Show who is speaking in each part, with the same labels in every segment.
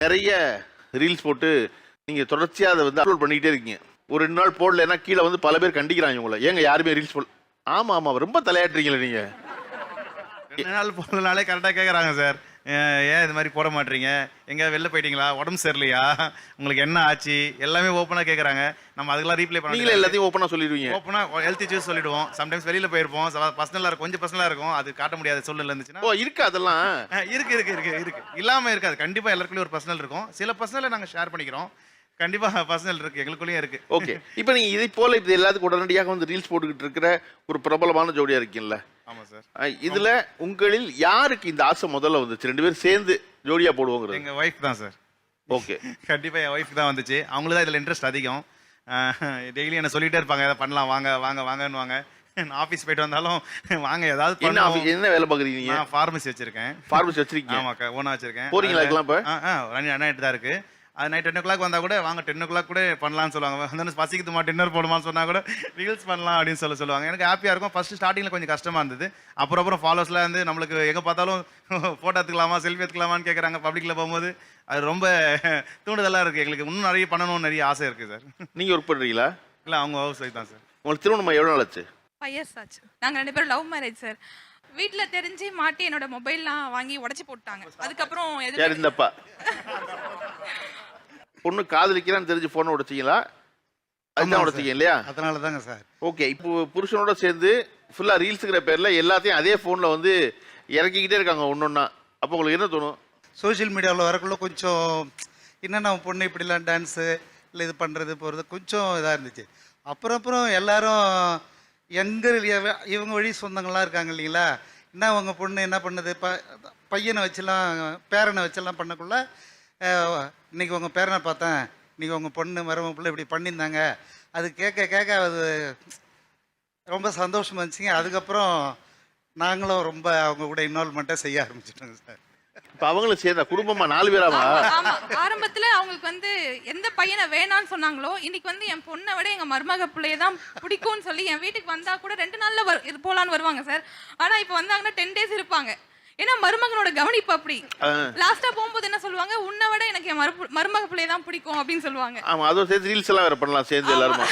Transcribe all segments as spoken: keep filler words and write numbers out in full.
Speaker 1: நிறைய ரீல்ஸ் போட்டு நீங்கள் தொடர்ச்சியாக அதை வந்து அப்லோட் பண்ணிக்கிட்டே இருக்கீங்க. ஒரு ரெண்டு நாள் போடலைன்னா கீழே வந்து பல பேர் கண்டிக்கிறாங்க உங்களை. ஏங்க யாருமே ரீல்ஸ் போடல. ஆமாம் ஆமாம் ரொம்ப தலையாட்டுறீங்களே நீங்கள்.
Speaker 2: ரெண்டு நாள் போடலனாலே கரெக்டாக கேட்குறாங்க சார். ஏன் இது மாதிரி போட மாட்டீங்க, எங்கே வெளில போயிட்டீங்களா, உடம்பு சரியில்லையா, உங்களுக்கு என்ன ஆச்சு, எல்லாமே ஓப்பனாக கேட்குறாங்க. நம்ம அதுக்கெல்லாம் ரீப்ளை பண்ணி
Speaker 1: நீங்களே எல்லாத்தையும் ஓப்பனாக சொல்லிடுவீங்க.
Speaker 2: ஓப்பனாக ஹெல்த் இஷ்யூஸ் சொல்லிடுவோம். சம்டைம்ஸ் வெளியில் போயிருப்போம், பர்சனலாக இருக்கும், கொஞ்சம் பர்சனலாக இருக்கும், அது காட்ட முடியாத சூழ்நிலை இருந்துச்சுன்னா.
Speaker 1: ஓ இருக்கு அதெல்லாம்
Speaker 2: இருக்கு இருக்கு இருக்கு இருக்கு இல்லாமல் இருக்காது. கண்டிப்பாக எல்லாருக்குள்ளேயும் ஒரு பர்சனல் இருக்கும். சில பர்சனலை நாங்கள் ஷேர் பண்ணிக்கிறோம். கண்டிப்பாக பர்சனல் இருக்கு, எங்களுக்குள்ளேயும் இருக்கு.
Speaker 1: ஓகே. இப்போ நீங்கள் இதை போல இது எல்லாத்துக்கும் உடனடியாக வந்து ரீல்ஸ் போட்டுக்கிட்டு இருக்கிற ஒரு பிரபலமான ஜோடியாக இருக்கீங்கல்ல.
Speaker 2: ஆமாம் சார்.
Speaker 1: இதுல உங்களில் யாருக்கு இந்த ஆசை முதல்ல வந்துச்சு? ரெண்டு பேரும் சேர்ந்து ஜோடியா போடுவோங்கிறது.
Speaker 2: எங்க ஒய்ஃப் தான் சார்.
Speaker 1: ஓகே.
Speaker 2: கண்டிப்பா என் ஒய்ஃப் தான் வந்துச்சு. அவங்களுக்கு தான் இதுல இன்ட்ரெஸ்ட் அதிகம். டெய்லி என்ன சொல்லிட்டே இருப்பாங்க, எதாவது பண்ணலாம் வாங்க வாங்க வாங்கன்னு வாங்க. நான் ஆஃபீஸ் போயிட்டு வந்தாலும் வாங்க ஏதாவது
Speaker 1: என்ன என்ன வேலை பார்க்குறீங்க?
Speaker 2: நான் ஃபார்மசி வச்சிருக்கேன்.
Speaker 1: ஃபார்மசி வச்சிருக்கீங்க?
Speaker 2: ஆமாக்கா, ஓனா வச்சிருக்கேன்.
Speaker 1: போறீங்களா இருக்கலாம்? இப்போ
Speaker 2: ஆ அண்ணாயிட்டு தான் இருக்கு. அது நைட் டென் ஓ கிளாக் வந்தால் கூட வாங்க டென் ஓ கிளாக் கூட பண்ணலாம்னு சொல்லுவாங்க. வந்து பசிக்குதுமா டின்னர் போடுமான்னு சொன்னால் கூட ரீல்ஸ் பண்ணலாம் அப்படின்னு சொல்ல சொல்லுவாங்க. எனக்கு ஹாப்பியாக இருக்கும். ஃபஸ்ட்டு ஸ்டார்டிங்கில் கொஞ்சம் கஷ்டமாக இருந்தது. அப்புறம் அப்புறம் ஃபாலோஸ்லாம் வந்து நம்மளுக்கு எங்கே பார்த்தாலும் ஃபோட்டோ எடுத்துக்கலாமா செல்ஃபி எடுத்துக்கலாமான்னு கேட்குறாங்க பப்ளிக்கில் போகும்போது. அது ரொம்ப தூண்டுதலாக இருக்குது. எங்களுக்கு இன்னும் நிறைய பண்ணணும்னு நிறைய ஆசை இருக்குது சார்.
Speaker 1: நீங்கள் ஒர்க் பண்ணுறீங்களா?
Speaker 2: இல்லை, அவங்க ஹவுஸ் ஒய்ஃப் தான் சார்.
Speaker 1: உங்களுக்கு திருமணம் எவ்வளோ நாள் ஆச்சு?
Speaker 3: ஃபைவ் இயர்ஸ் ஆச்சு. நாங்கள் ரெண்டு பேரும் லவ் மேரேஜ் சார். வீட்டில் தெரிஞ்சு மாட்டி என்னோட மொபைல்லாம் வாங்கி உடச்சி போட்டாங்க. அதுக்கப்புறம்
Speaker 1: யார் இந்தப்பா? பொண்ணு காதலிக்கிறான்னு தெரிஞ்சு போனை உடைச்சிங்களா? அதுதான் உடைச்சிங்க இல்லையா?
Speaker 2: அதனால தாங்க சார்.
Speaker 1: ஓகே. இப்போ புருஷனோட சேர்ந்து ஃபுல்லா ரீல்ஸுங்கிற பேர்ல எல்லாத்தையும் அதே போன்ல வந்து இறக்கிக்கிட்டே இருக்காங்க ஒன்னொன்னா. அப்போ உங்களுக்கு என்ன தோணும்?
Speaker 4: சோஷியல் மீடியாவில் வரக்குள்ள கொஞ்சம் என்னென்ன பொண்ணு இப்படிலாம் டான்ஸு இல்லை இது பண்ணுறது போகிறது கொஞ்சம் இதாக இருந்துச்சு. அப்புறம் அப்புறம் எல்லாரும் எங்கள் இவங்க வழி சொந்தங்கள்லாம் இருக்காங்க இல்லைங்களா, என்ன உங்கள் பொண்ணு என்ன பண்ணுது, ப பையனை வச்செல்லாம் பேரனை வச்செல்லாம் பண்ணக்குள்ள இன்றைக்கி உங்கள் பேரனை பார்த்தேன், இன்றைக்கி உங்கள் பொண்ணு மருமக பிள்ளை இப்படி பண்ணியிருந்தாங்க. அது கேட்க கேட்க அது ரொம்ப சந்தோஷமாக இருந்துச்சுங்க. அதுக்கப்புறம் நாங்களும் ரொம்ப அவங்க கூட இன்வால்மெண்ட்டாக செய்ய ஆரம்பிச்சிட்டோங்க சார்.
Speaker 1: இப்போ அவங்களும் சேர்ந்தா குடும்பமா நாலு பேராமா?
Speaker 3: ஆரம்பத்துல அவங்களுக்கு வந்து எந்த பையனை வேணான்னு சொன்னாங்களோ, இன்னைக்கு வந்து என் பொண்ணை விட எங்க மருமக பிள்ளைய தான் பிடிக்கும்னு சொல்லி என் வீட்டுக்கு வந்தா கூட ரெண்டு நாள்ல இது போலான்னு வருவாங்க சார். ஆனா இப்போ வந்தாங்கன்னா டென் டேஸ் இருப்பாங்க. ஏன்னா மருமகனோட கவனிப்பு அப்படி. லாஸ்டா போகும்போது என்ன சொல்லுவாங்க, உன்னை விட எனக்கு என் மருமக பிள்ளைய தான் பிடிக்கும் அப்படின்னு சொல்லுவாங்க.
Speaker 1: ஆமா, அதுவும் சேர்த்து ரீல்ஸ் எல்லாம் வேற பண்ணலாம் சேர்ந்து எல்லாரும்.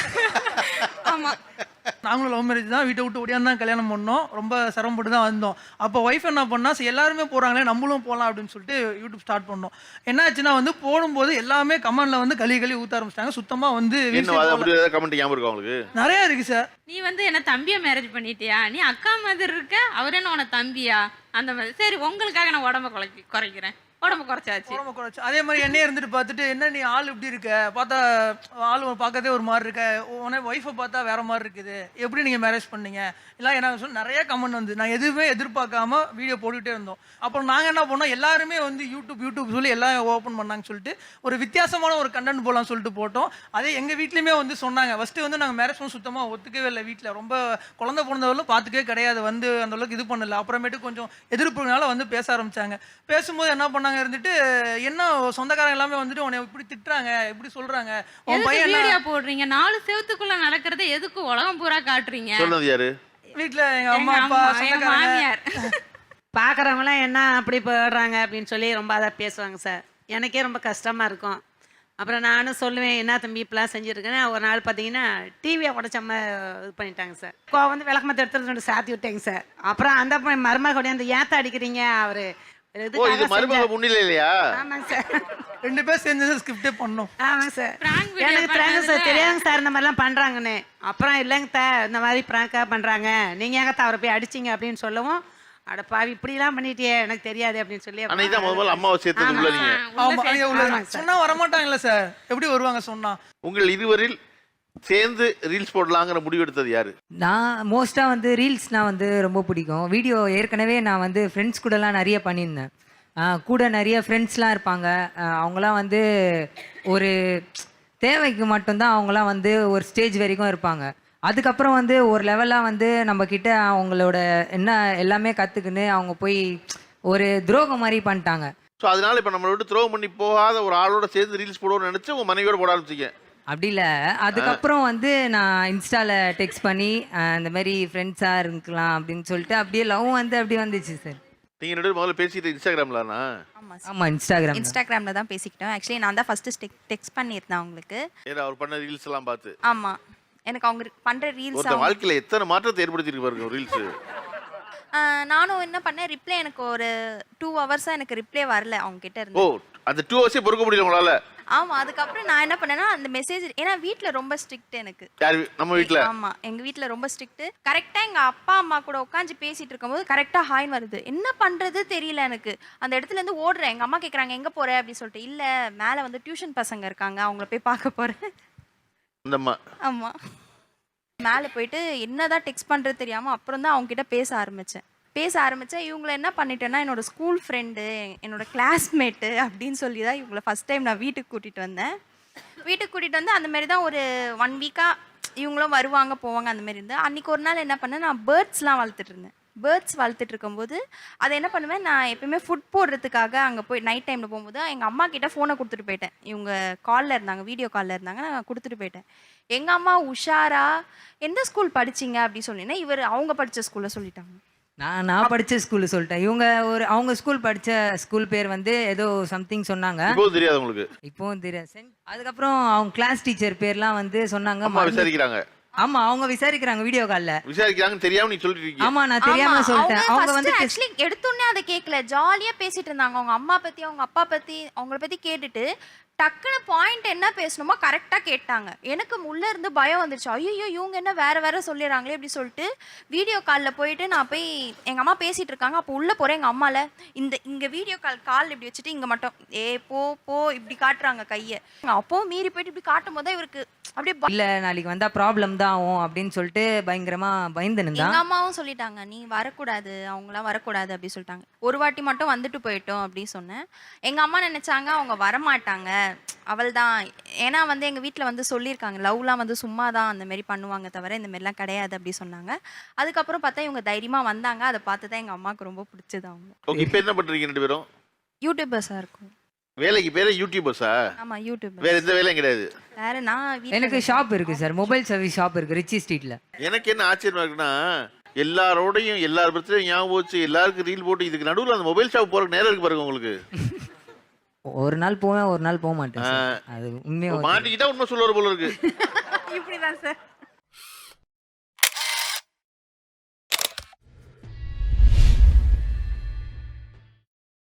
Speaker 3: ஆமா,
Speaker 5: நாங்களும் லவ் மேரேஜ் தான். வீட்டை விட்டு ஓடியாந்து தான் கல்யாணம் பண்ணோம். ரொம்ப சிரமப்பட்டு தான் வந்தோம். அப்போ ஒய்ஃப் என்ன பண்ணா, சரி எல்லாருமே போகிறாங்களே நம்மளும் போகலாம் அப்படின்னு சொல்லிட்டு யூடியூப் ஸ்டார்ட் பண்ணோம். என்ன ஆச்சுன்னா வந்து போடும்போது எல்லாமே கமெண்ட்ல வந்து கலி கலி ஊற்ற ஆரம்பிச்சிட்டாங்க. சுத்தமாக வந்து
Speaker 1: கமெண்ட் ஞாபகம் இருக்கு அவங்களுக்கு?
Speaker 5: நிறையா இருக்கு சார்.
Speaker 6: நீ வந்து என்ன தம்பியை மேரேஜ் பண்ணிட்டியா, நீ அக்கா மாதிரி இருக்க, அவர் என்ன உன தம்பியா, அந்த மாதிரி. சரி உங்களுக்காக நான் உடம்ப குறைச்சி குறைக்கிறேன் உடம்பு குறைச்சாச்சு
Speaker 5: உடம்பு குறைச்சி. அதே மாதிரி என்னையே இருந்துட்டு பார்த்துட்டு என்ன நீ ஆள் இப்படி இருக்க, பார்த்தா ஆள் பார்க்கறதே ஒரு மாதிரி இருக்க, உடனே ஒய்ஃபை பார்த்தா வேற மாதிரி இருக்குது, எப்படி நீங்கள் மேரேஜ் பண்ணீங்க இல்லை என்ன சொல்லி நிறைய கமெண்ட் வந்து நான் எதுவுமே எதிர்பார்க்காம வீடியோ போட்டுகிட்டே இருந்தோம். அப்புறம் நாங்கள் என்ன பண்ணோம், எல்லாருமே வந்து யூடியூப் யூடியூப் சொல்லி எல்லாம் ஓப்பன் பண்ணாங்கன்னு சொல்லிட்டு ஒரு வித்தியாசமான ஒரு கண்டென்ட் போகலான்னு சொல்லிட்டு போட்டோம். அதே எங்கள் வீட்லேயுமே வந்து சொன்னாங்க. ஃபஸ்ட்டு வந்து நாங்கள் மேரேஜ் பண்ண சுத்தமாக ஒத்துக்கவே இல்லை. வீட்டில் ரொம்ப குழந்தை பிறந்தவர்களும் பார்த்துக்கவே கிடையாது, வந்து அந்த அளவுக்கு இது பண்ணல. அப்புறமேட்டு கொஞ்சம் எதிர்ப்புனால வந்து பேச ஆரம்பிச்சாங்க. பேசும்போது என்ன பண்ணாங்க இருந்துட்டு, என்ன சொந்தக்காரங்க எல்லாமே வந்துட்டு உன்னை இப்படி திட்டுறாங்க, இப்படி சொல்றாங்க, உன் பையன்
Speaker 6: வீடியோ போடுறீங்க, நாலு செவத்துக்குள்ள நடக்கிறத எதுக்கு உலகம் பூரா காட்டுறீங்க?
Speaker 1: சொன்னது யாரு?
Speaker 5: வீட்டுல எங்க அம்மா அப்பா
Speaker 6: மாமியார்.
Speaker 7: பார்க்குறவங்களாம் என்ன அப்படி போடுறாங்க அப்படின்னு சொல்லி ரொம்ப அதை பேசுவாங்க சார். எனக்கே ரொம்ப கஷ்டமாக இருக்கும். அப்புறம் நானும் சொல்லுவேன், என்ன தம்பி இப்பெல்லாம் செஞ்சுருக்கேன்னு. ஒரு நாள் பார்த்தீங்கன்னா டிவியை உடச்சம்மா இது பண்ணிட்டாங்க சார். இப்போ வந்து விளக்கமத்தை எடுத்துகிட்டு ரெண்டு சாத்தி விட்டாங்க சார். அப்புறம் அந்த மருமகளுடைய அந்த ஏத்த அடிக்கிறீங்க அவரு
Speaker 5: ரெண்டு பேர் சேர்ந்து ஸ்கிரிப்டே பண்ணோம்.
Speaker 7: ஆமாம் சார், எனக்கு பிராங்க் சார் தெரியாதுங்க சார் இந்த மாதிரிலாம் பண்ணுறாங்கன்னு. அப்புறம் இல்லைங்க த இந்த மாதிரி பிராங்காக பண்ணுறாங்க, நீங்கள் ஏங்க அவரை போய் அடிச்சிங்க அப்படின்னு சொல்லவும், அட பாவி இப்படிலாம் பண்ணிட்டியே எனக்கு தெரியாது அப்படின்னு சொல்லி
Speaker 5: சொன்னா வரமாட்டாங்கல்ல சார், எப்படி வருவாங்க சொன்னா?
Speaker 1: உங்கள் இருவரில் சேர்ந்து ரீல்ஸ் போடலாங்கிற முடிவு எடுத்தது யாரு?
Speaker 8: நான் மோஸ்ட்டாக வந்து ரீல்ஸ் நான் வந்து ரொம்ப பிடிக்கும். வீடியோ ஏற்கனவே நான் வந்து ஃப்ரெண்ட்ஸ் கூடலாம் நிறைய பண்ணியிருந்தேன். கூட நிறைய ஃப்ரெண்ட்ஸ்லாம் இருப்பாங்க. அவங்களாம் வந்து ஒரு தேவைக்கு மட்டும்தான் அவங்களாம் வந்து ஒரு ஸ்டேஜ் வரைக்கும் இருப்பாங்க. அதுக்கப்புறம் வந்து ஒரு லெவலாக வந்து நம்மக்கிட்ட அவங்களோட என்ன எல்லாமே கற்றுக்குன்னு அவங்க போய் ஒரு துரோகம் மாதிரி பண்ணிட்டாங்க.
Speaker 1: ஸோ அதனால இப்போ நம்மளை விட்டு துரோகம் பண்ணி போகாத ஒரு ஆளோட சேர்ந்து ரீல்ஸ் போடுவோம்னு நினச்சி உங்கள் மனைவியோட போட ஆரம்பிச்சிங்க?
Speaker 8: அப்படி இல்லை. அதுக்கப்புறம் வந்து நான் இன்ஸ்டாவில் டெக்ஸ்ட் பண்ணி இந்த மாதிரி ஃப்ரெண்ட்ஸாக இருக்கலாம் அப்படின்னு சொல்லிட்டு அப்படியே லவ் வந்து அப்படி வந்துச்சு சார்.
Speaker 1: நீங்க ரெண்டு பேரும் முதல்ல பேசிட்டு இன்ஸ்டாகிராம்லண்ணா?
Speaker 9: ஆமா
Speaker 8: ஆமா இன்ஸ்டாகிராம்
Speaker 9: இன்ஸ்டாகிராம்ல தான் பேசிக்கிட்டோம். ஆக்சுவலி நான் தான் ஃபர்ஸ்ட் டெக்ஸ்ட் பண்ணியிருந்தேன் அவங்களுக்கு.
Speaker 1: ஏன்னா அவர் பண்ண ரீல்ஸ் எல்லாம் பார்த்து
Speaker 9: ஆமா, எனக்கு அவங்க பண்ற ரீல்ஸ்
Speaker 1: ஒருத்தன் வாழ்க்கையில எத்தனை மாற்றத்தை ஏற்படுத்தியிருக்கு பாருங்க ரீல்ஸ்.
Speaker 9: நானும் என்ன பண்ணேன், ரிப்ளை எனக்கு ஒரு டூ ஹவர்ஸா எனக்கு ரிப்ளை வரல அவங்க கிட்ட
Speaker 1: ஓ
Speaker 9: இருந்து.
Speaker 1: அந்த டூ ஹவர்ஸே பொறுக்க முடியல உங்களால?
Speaker 9: ஆமா, அதுக்கப்புறம் நான் என்ன பண்ணேன்னா அந்த மெசேஜ், ஏன்னா வீட்ல ரொம்ப ஸ்ட்ரிக்ட் எனக்கு.
Speaker 1: யார் வீ- நம்ம வீட்ல?
Speaker 9: ஆமா, எங்க வீட்ல ரொம்ப ஸ்ட்ரிக்ட். கரெக்டா எங்க அப்பா அம்மா கூட உட்காந்து பேசிட்டு இருக்கும்போது கரெக்டா ஹாய் வருது. என்ன பண்றது தெரியல எனக்கு. அந்த இடத்துல இருந்து ஓடுறேன். எங்க அம்மா கேக்குறாங்க எங்க போற அப்படின்னு சொல்லிட்டு, இல்ல மேல வந்து டியூஷன் பசங்க இருக்காங்க, அவங்கள போய் பார்க்க போறேன்.
Speaker 1: அந்த அம்மா.
Speaker 9: ஆமா, மேலே போயிட்டு என்னதான் டெக்ஸ்ட் பண்றது தெரியாம அப்புறம் தான் அவங்க கிட்ட பேச ஆரம்பிச்சேன். பேச ஆரம்பித்தேன். இவங்களை என்ன பண்ணிட்டேன்னா, என்னோட ஸ்கூல் ஃப்ரெண்டு, என்னோட கிளாஸ்மேட்டு அப்படின்னு சொல்லி தான் இவங்களை ஃபஸ்ட் டைம் நான் வீட்டுக்கு கூட்டிகிட்டு வந்தேன். வீட்டுக்கு கூட்டிகிட்டு வந்து அந்த மாதிரி தான் ஒரு ஒன் வீக்காக இவங்களும் வருவாங்க போவாங்க அந்த மாதிரி இருந்து. அன்றைக்கி ஒரு நாள் என்ன பண்ணேன், நான் பேர்ட்ஸ்லாம் வளர்த்துட்டு இருந்தேன். பேர்ட்ஸ் வளர்த்துட்டு இருக்கும்போது அதை என்ன பண்ணுவேன், நான் எப்பயுமே ஃபுட் போடுறதுக்காக அங்கே போய் நைட் டைமில் போகும்போது எங்கள் அம்மா கிட்ட ஃபோனை கொடுத்துட்டு போயிட்டேன். இவங்க காலில் இருந்தாங்க, வீடியோ காலில் இருந்தாங்க, நான் கொடுத்துட்டு போயிட்டேன். எங்கள் அம்மா உஷாரா எந்த ஸ்கூல் படிச்சிங்க அப்படின்னு சொன்னீங்கன்னா, இவர் அவங்க படித்த ஸ்கூலில் சொல்லிட்டாங்க.
Speaker 8: நான் நான் படிச்ச ஸ்கூல்ல சொல்லிட்டேன். இவங்க ஒரு அவங்க ஸ்கூல் படிச்ச ஸ்கூல் பேர் வந்து ஏதோ சம்திங் சொன்னாங்க.
Speaker 1: இப்போ தெரியாது உங்களுக்கு?
Speaker 8: இப்போவும் தெரியாது. சென்- அதுக்கப்புறம் அவங்க கிளாஸ் டீச்சர் பேர்லாம் வந்து சொன்னாங்க.
Speaker 1: அம்மா
Speaker 8: மறந்து-
Speaker 1: விசாரிக்கிறாங்க.
Speaker 8: ஆமா அவங்க விசாரிக்கிறாங்க வீடியோ கால்ல.
Speaker 1: விசாரிக்கிறாங்கன்னு தெரியாம நீ சொல்லிட்டு இருக்கீங்க.
Speaker 8: ஆமா நான் தெரியாம சொல்லிட்டேன். அவங்க வந்து
Speaker 9: ஆக்சுவலி எடுத்தோடனே அதை கேட்கல, ஜாலியா பேசிட்டு இருந்தாங்க. அவங்க அம்மா பத்தி அவங்க அப்பா பத்தி அவங்கள பத்தி கேட்டுட்டு டக்குனு பாயிண்ட் என்ன பேசணுமோ கரெக்டா கேட்டாங்க. எனக்கு உள்ள இருந்து பயம் வந்துருச்சு. ஐயோ இவங்க என்ன வேற வேற சொல்லிடுறாங்களே அப்படி சொல்லிட்டு வீடியோ காலில் போயிட்டு நான் போய் எங்க அம்மா பேசிட்டு இருக்காங்க. அப்போ உள்ள போறேன். எங்க அம்மால இந்த இங்க வீடியோ கால் கால் இப்படி வச்சுட்டு இங்க மட்டும் ஏ போ போ இப்படி காட்டுறாங்க கையை. அப்போ மீறி போயிட்டு இப்படி காட்டும் போது இவருக்கு அப்படியே ப-
Speaker 8: இல்ல நாளைக்கு வந்தா ப்ராப்ளம் தான் ஆகும் அப்படின்னு சொல்லிட்டு பயங்கரமா பயந்து நின்றா.
Speaker 9: எங்க அம்மாவும் சொல்லிட்டாங்க, நீ வரக்கூடாது, அவங்களாம் வரக்கூடாது அப்படி சொல்லிட்டாங்க. ஒரு வாட்டி மட்டும் வந்துட்டு போயிட்டோம் அப்படின்னு சொன்னேன். எங்க அம்மா நினைச்சாங்க அவங்க வரமாட்டாங்க, அவள் தான். ஏன்னா வந்து எங்க வீட்டில் வந்து சொல்லியிருக்காங்க, லவ்லாம் வந்து சும்மா தான் அந்த மாதிரி பண்ணுவாங்க தவிர இந்த மாதிரிலாம் கிடையாது அப்படி சொன்னாங்க. அதுக்கப்புறம் பார்த்தா இவங்க தைரியமா வந்தாங்க. அதை பார்த்து தான் எங்க அம்மாவுக்கு ரொம்ப பிடிச்சது. அவங்க
Speaker 1: ஓகே, இப்போ என்ன பண்றீங்க ரெண்டு பேரும்?
Speaker 9: யூடியூபர்ஸா இருக்கும்.
Speaker 1: வேலைக்கு பேரே யூடியூபர்ஸா?
Speaker 9: ஆமா யூடியூபர்.
Speaker 1: வேற எந்த வேலையும் கிடையாது?
Speaker 9: வேற நான் வீட்ல
Speaker 8: எனக்கு ஷாப் இருக்கு சார், மொபைல் சர்வீஸ் ஷாப் இருக்கு ரிச்சி ஸ்ட்ரீட்ல.
Speaker 1: எனக்கு என்ன ஆச்சரியமா இருக்குன்னா, எல்லாரோடையும் எல்லார் பத்தியும் ஞாபகம் வச்சு எல்லாருக்கும் ரீல் போட்டு இதுக்கு நடுவில் அந்த மொபைல் ஷாப் போறதுக்கு நேரம் இருக்கு பாருங்க உங்களுக்கு.
Speaker 8: ஒரு நாள் போவேன் ஒரு நாள் போக மாட்டேன் sir. அது உண்மையா
Speaker 1: மாட்டிக்கிட்டா உண்மை சொல்லுவார் போல இருக்கு.
Speaker 9: இப்படிதான் சார்.